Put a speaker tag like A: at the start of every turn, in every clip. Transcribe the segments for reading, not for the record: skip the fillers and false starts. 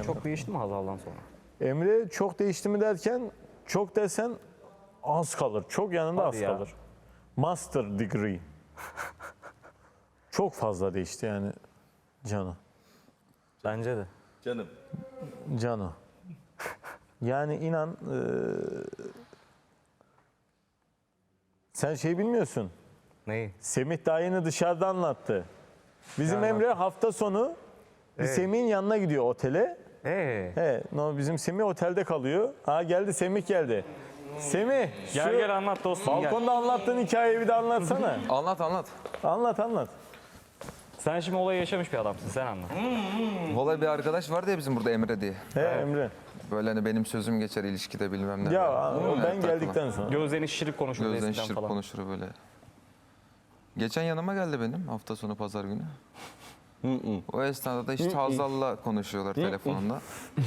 A: çok değişti mi Hazal'dan sonra?
B: Emre çok değişti mi derken çok desen az kalır. Çok yanında
A: Hadi
B: az
A: ya.
B: kalır. Master degree. Çok fazla değişti yani Cano.
A: Bence de.
C: Canım.
B: Cano. Yani inan sen şey bilmiyorsun.
A: Neyi?
B: Semih daha yeni dışarıda anlattı. Bizim
A: Ne
B: Emre hafta sonu
A: Evet.
B: Semih'in yanına gidiyor otele. He, no, bizim Semih otelde kalıyor. Ha geldi, Semih geldi. Semih,
A: Gel
B: şu
A: gel anlat dostum gel.
B: balkonda anlattığın hikayeyi bir de anlatsana.
D: Anlat anlat.
B: Anlat.
A: Sen şimdi olayı yaşamış bir adamsın, sen anlat.
D: Vallahi bir arkadaş vardı ya bizim burada Emre diye.
B: He Emre.
D: Böyle hani benim sözüm geçer ilişkide bilmem ne.
B: Ya
D: Böyle.
B: o ben
D: Evet,
B: geldikten sonra.
A: Gözlerini şişirip konuşurdu
D: Gözden
A: eskiden
D: şişirip
A: falan.
D: konuşur böyle. Geçen yanıma geldi benim hafta sonu pazar günü. O esnada da işte Hazal'la konuşuyorlar telefonda.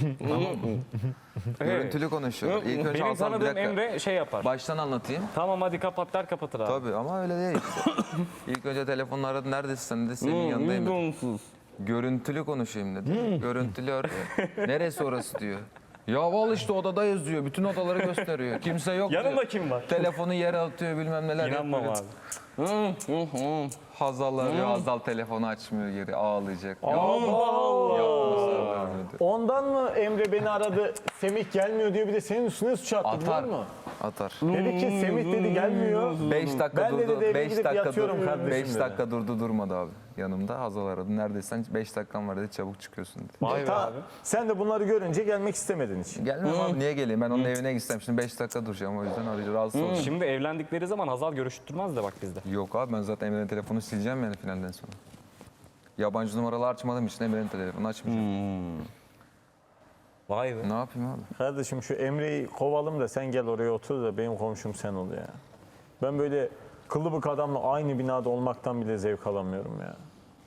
D: Görüntülü konuşuyorlar. İlk önce
A: Benim
D: Hazal bir
A: tanıdığım
D: dakika.
A: Emre şey yapar.
D: Baştan anlatayım.
A: Tamam hadi kapat der kapatır abi.
D: Tabii ama öyle değil işte. İlk önce telefonla aradı. Neredesin sen dedi. Senin yanındayım dedi. Görüntülü konuşayım dedi. Görüntülü arıyor. Neresi orası diyor. Ya al işte odadayız diyor. Bütün odaları gösteriyor. Kimse yok diyor.
A: Yanında kim var?
D: Telefonu yere atıyor bilmem neler
A: İnanmam
D: yapıyor.
A: abi.
D: Hazal arıyor. Hazal telefonu açmıyor geri ağlayacak.
B: Allah Allah.
D: Yapmışlar vermedi.
B: Ondan mı Emre beni aradı, Semih gelmiyor diyor, bir de senin üstüne suç attı
D: Atar.
B: biliyor musun?
D: Atar.
B: Dedi ki Semih dedi gelmiyor.
D: 5 dakika
B: Ben de
D: durdu.
B: dedi eve
D: 5
B: gidip
D: dakika
B: yatıyorum
D: durdu.
B: kardeşim
D: 5
B: dedi.
D: dakika durmadı abi. Yanımda Hazal aradı. Neredeysen 5 dakikan var dedi. Çabuk çıkıyorsun dedi.
A: Vay be abi.
B: Sen de bunları görünce gelmek istemedin hiç.
D: Gelmem abi niye geleyim? Ben onun evine gitsem şimdi 5 dakika duracağım o yüzden arayacağım. Rahatsız olacağım.
A: Şimdi evlendikleri zaman Hazal görüştürmez de bak bizde.
D: Yok abi ben zaten Emre'nin telefonu sileceğim yani finalden sonra. Yabancı numaralı açmadığım için Emre'nin telefonu açmayacağım.
A: Vay be.
D: Ne yapayım abi?
B: Kardeşim şu Emre'yi kovalım da sen gel oraya otur da benim komşum sen ol ya. Ben böyle kılıbık adamla aynı binada olmaktan bile zevk alamıyorum ya.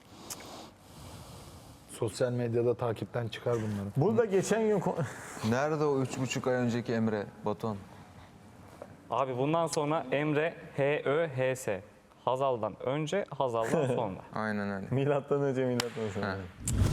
E: Sosyal medyada takipten çıkar bunları.
B: Burada geçen gün
D: Nerede o 3,5 ay önceki Emre Batuhan?
A: Abi bundan sonra Emre H-Ö-H-S. Hazal'dan önce, Hazal'dan sonra.
D: Aynen öyle.
B: milattan önce milattan sonra.